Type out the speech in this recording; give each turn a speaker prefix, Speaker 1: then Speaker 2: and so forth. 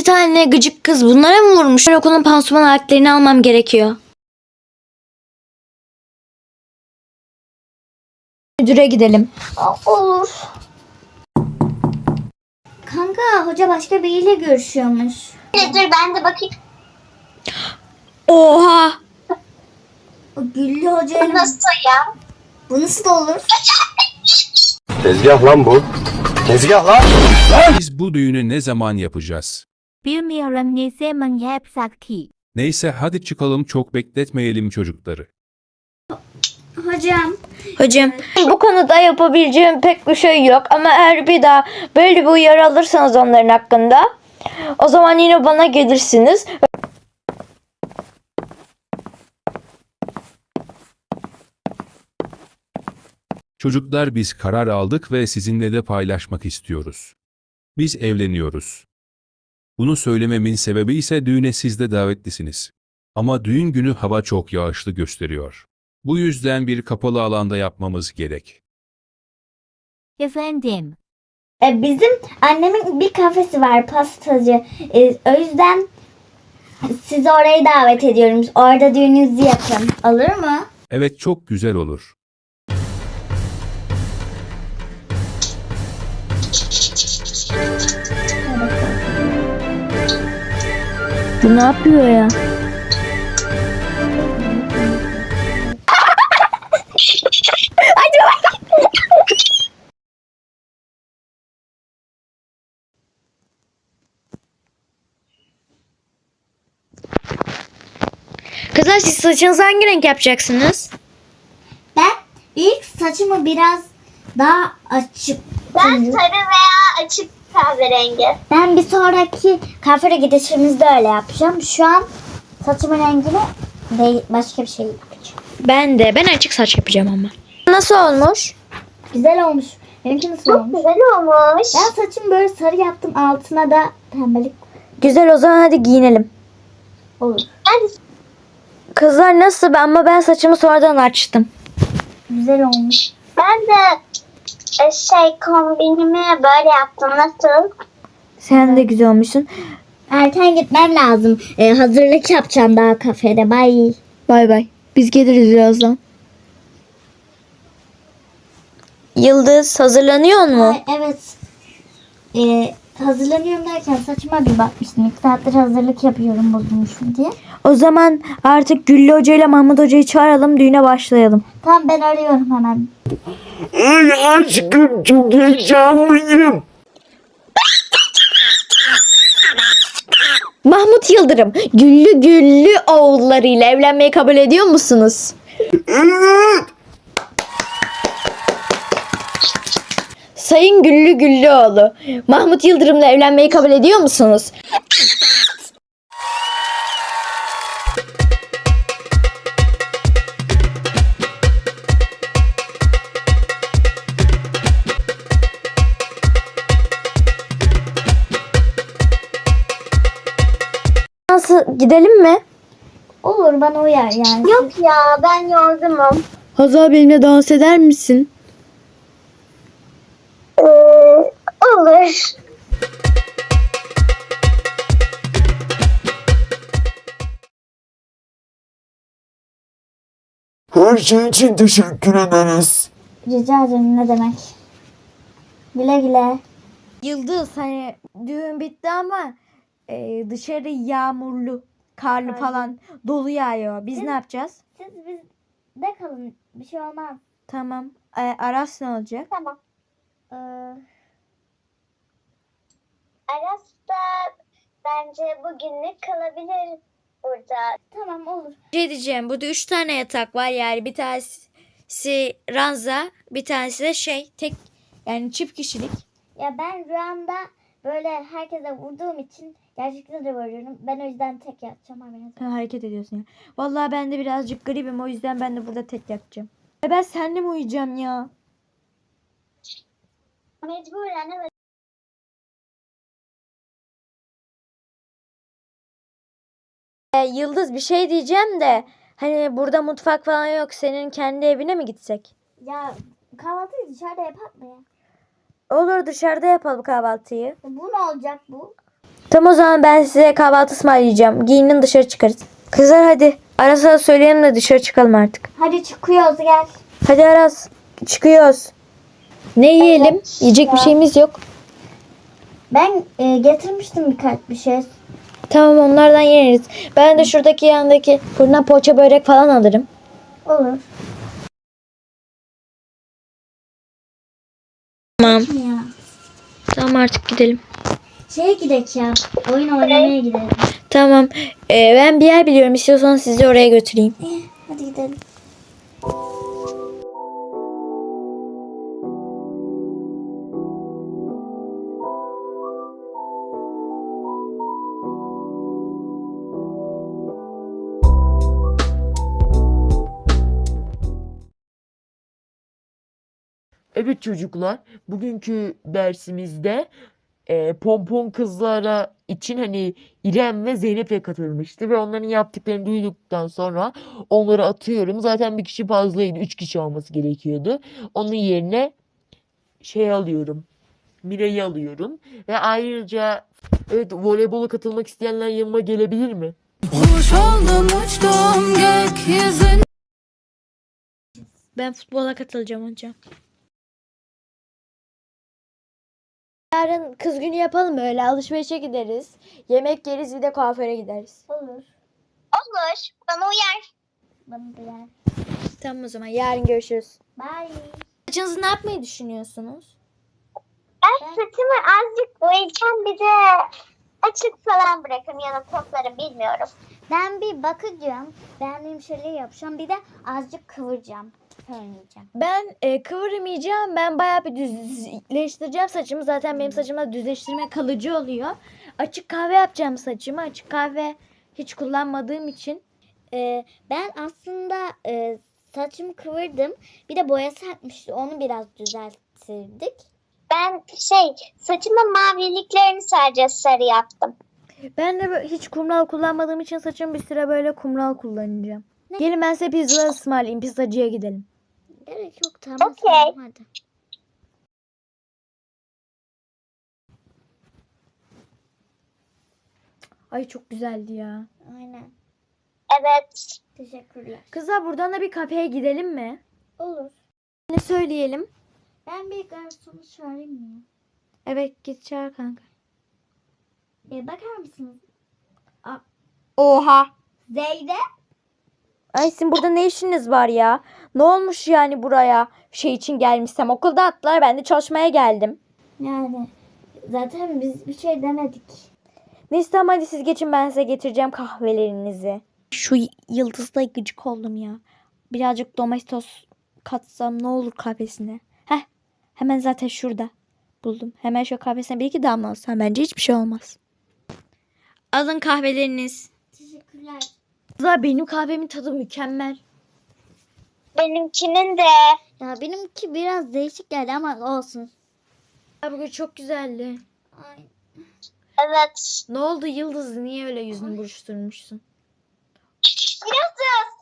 Speaker 1: İki tane gıcık kız bunlara mı vurmuş? Ben okulun pansuman aletlerini almam gerekiyor. Müdüre gidelim.
Speaker 2: Olur. Kanka hoca başka biriyle görüşüyormuş. Dur ben de bakayım.
Speaker 1: Oha!
Speaker 2: O Güllü hocayla... Bu nasıl ya? Bu nasıl olur?
Speaker 3: Tezgah lan bu. Tezgah lan.
Speaker 4: Biz bu düğünü ne zaman yapacağız?
Speaker 5: Bilmiyorum ne zaman yapsak ki.
Speaker 4: Neyse hadi çıkalım, çok bekletmeyelim çocukları.
Speaker 2: Hocam.
Speaker 1: Bu konuda yapabileceğim pek bir şey yok ama eğer bir daha böyle bir uyarı alırsanız onların hakkında o zaman yine bana gelirsiniz.
Speaker 4: Çocuklar, biz karar aldık ve sizinle de paylaşmak istiyoruz. Biz evleniyoruz. Bunu söylememin sebebi ise düğüne siz de davetlisiniz. Ama düğün günü hava çok yağışlı gösteriyor. Bu yüzden bir kapalı alanda yapmamız gerek.
Speaker 5: Efendim.
Speaker 2: Bizim annemin bir kafesi var, pastacı. O yüzden sizi oraya davet ediyorum. Orada düğününüzü yapın. Olur mu?
Speaker 4: Evet, çok güzel olur.
Speaker 1: Bu ne yapıyor ya? Kızlar, siz saçınızı hangi renk yapacaksınız?
Speaker 2: Ben ilk saçımı biraz daha açık.
Speaker 6: Ben sarı veya açık kahverengi.
Speaker 2: Ben bir sonraki kafere gidişimizde öyle yapacağım. Şu an saçımın rengini değil, başka bir şey yapacağım.
Speaker 1: Ben açık saç yapacağım ama. Nasıl olmuş?
Speaker 2: Güzel olmuş. Benimki nasıl
Speaker 6: Çok
Speaker 2: olmuş?
Speaker 6: güzel olmuş.
Speaker 2: Ben saçımı böyle sarı yaptım. Altına da pembelik
Speaker 1: Güzel, o zaman hadi giyinelim.
Speaker 2: olur.
Speaker 6: Ben
Speaker 1: Kızlar nasıl? Ben saçımı sonradan açtım.
Speaker 2: Güzel olmuş.
Speaker 6: de kombinimi böyle yaptım. Nasıl?
Speaker 1: Sen de güzel olmuşsun.
Speaker 2: Erken gitmem lazım. Hazırlık yapacağım daha kafede. Bye.
Speaker 1: Bay bay. Biz geliriz birazdan. Yıldız, hazırlanıyor mu?
Speaker 2: Ay, evet. Hazırlanıyorum derken saçıma bir bakmıştım. 2 saattir hazırlık yapıyorum bozulmuşum diye.
Speaker 1: O zaman artık Güllü Hoca ile Mahmut Hoca'yı çağıralım, düğüne başlayalım.
Speaker 2: Tamam, ben arıyorum hemen.
Speaker 3: Ay aşkım, çok heyecanlıyım.
Speaker 1: Mahmut Yıldırım, Güllü oğullarıyla evlenmeyi kabul ediyor musunuz?
Speaker 3: Evet.
Speaker 1: Sayın Güllüoğlu, Mahmut Yıldırım'la evlenmeyi kabul ediyor musunuz? Nasıl, gidelim mi?
Speaker 2: Olur, bana uyar yani.
Speaker 6: Yok ya, ben yorgunum.
Speaker 1: Hazal, benimle dans eder misin?
Speaker 6: Olur.
Speaker 3: Her şey için teşekkür ederiz.
Speaker 2: Rica ederim, ne demek. Güle güle.
Speaker 1: Yıldız, hani düğün bitti ama dışarı yağmurlu, karlı falan, dolu yağıyor. Biz ne yapacağız?
Speaker 2: Siz bizde kalın. Bir şey olmaz.
Speaker 1: Tamam. Aras ne olacak?
Speaker 6: Tamam.
Speaker 2: Ee,
Speaker 6: Aras da bence bugünlük kalabilir burada.
Speaker 2: tamam, olur.
Speaker 1: Şey diyeceğim, burada 3 tane yatak var, yani bir tanesi ranza, bir tanesi de tek, yani çift kişilik.
Speaker 2: Ya ben rüyamda böyle herkese vurduğum için gerçekten de vuruyorum. Ben o yüzden tek yatacağım.
Speaker 1: Hareket ediyorsun ya. Vallahi ben de birazcık gribim, o yüzden ben de burada tek yatacağım. Ben seninle mi uyuyacağım ya?
Speaker 6: Mecburen evet.
Speaker 1: Yıldız, bir şey diyeceğim de hani burada mutfak falan yok, senin kendi evine mi gitsek?
Speaker 2: Ya kahvaltıyı dışarıda yapak mı ya?
Speaker 1: Olur, dışarıda yapalım kahvaltıyı.
Speaker 2: Bu ne olacak bu?
Speaker 1: Tamam o zaman ben size kahvaltı ısmarlayacağım. Giyinin dışarı çıkarız. Kızlar hadi. Aras'a söyleyelim de dışarı çıkalım artık.
Speaker 2: Hadi çıkıyoruz gel.
Speaker 1: Hadi Aras çıkıyoruz. Ne yiyelim? Yiyecek bir şeyimiz yok.
Speaker 2: Ben getirmiştim birkaç bir şey.
Speaker 1: Tamam onlardan yeriz. Ben de şuradaki yandaki fırına poğaça börek falan alırım.
Speaker 2: Olur.
Speaker 1: Tamam.
Speaker 2: Ya.
Speaker 1: Tamam artık gidelim.
Speaker 2: Şeye gidelim ya. Oyun oynamaya gidelim.
Speaker 1: Tamam. Ben bir yer biliyorum. İstiyorsanız sizi oraya götüreyim.
Speaker 2: Hadi gidelim.
Speaker 7: Evet çocuklar, bugünkü dersimizde pompon kızlara için hani İrem ve Zeynep'e katılmıştı ve onların yaptıklarını duyduktan sonra onları atıyorum. Zaten bir kişi fazlaydı, 3 kişi olması gerekiyordu. Onun yerine şey alıyorum, Mira'yı alıyorum ve ayrıca evet voleybola katılmak isteyenler yanıma gelebilir mi?
Speaker 1: Ben futbola katılacağım hocam. Yarın kız günü yapalım öyle. Alışverişe gideriz. Yemek yeriz bir de kuaföre gideriz.
Speaker 2: Olur.
Speaker 6: Olur. Bana uyar.
Speaker 2: Bana da yer.
Speaker 1: Tamam o zaman yarın görüşürüz.
Speaker 2: Bye.
Speaker 1: Saçınızı ne yapmayı düşünüyorsunuz?
Speaker 6: Ben saçımı azıcık boyayacağım. Bir de açık falan bırakırım ya da toplarım bilmiyorum.
Speaker 2: Ben bir bakacağım. Beğendiğim şeyleri yapacağım. Bir de azıcık kıvıracağım. Fönleyeceğim.
Speaker 1: Ben kıvırmayacağım. Ben bayağı bir düzleştireceğim saçımı. Zaten benim saçımda düzleştirme kalıcı oluyor. Açık kahve yapacağım saçımı. Açık kahve hiç kullanmadığım için.
Speaker 2: Ben aslında saçımı kıvırdım. Bir de boyası akmıştı. Onu biraz düzelttirdik.
Speaker 6: Ben saçımın maviliklerini sadece sarı yaptım.
Speaker 1: Ben de hiç kumral kullanmadığım için saçım bir süre böyle kumral kullanacağım. Gelin ben size pizza ısmarlayayım. Pizzacıya gidelim.
Speaker 2: Gerek yok tamam.
Speaker 6: Okey.
Speaker 2: Tamam, hadi.
Speaker 1: Ay çok güzeldi ya.
Speaker 2: Aynen.
Speaker 6: Evet.
Speaker 2: Teşekkürler.
Speaker 1: Kızlar buradan da bir kafeye gidelim mi?
Speaker 2: Olur.
Speaker 1: Ne söyleyelim?
Speaker 2: Ben bir garsonu çağırayım mı?
Speaker 1: Evet git çağır kanka.
Speaker 2: Bakar mısınız?
Speaker 1: Oha.
Speaker 2: Zeynep.
Speaker 1: Ay sizin burada ne işiniz var ya? Ne olmuş yani buraya? Şey için gelmişsem okulda attılar ben de çalışmaya geldim.
Speaker 2: Yani zaten biz bir şey demedik.
Speaker 1: Neyse tamam hadi siz geçin ben size getireceğim kahvelerinizi. Şu yıldızla gıcık oldum ya. Birazcık domestos katsam ne olur kahvesine. Heh hemen zaten şurada buldum. Hemen şu kahvesine bir iki damla alsam bence hiçbir şey olmaz. Alın kahveleriniz.
Speaker 2: Teşekkürler.
Speaker 1: Kızlar benim kahvemin tadı mükemmel.
Speaker 6: Benimkinin de.
Speaker 2: Ya benimki biraz değişik geldi ama olsun.
Speaker 1: Ya bugün çok güzeldi.
Speaker 2: Ay.
Speaker 6: Evet.
Speaker 1: Ne oldu Yıldız? Niye öyle yüzünü buruşturmuşsun?
Speaker 6: Yıldız.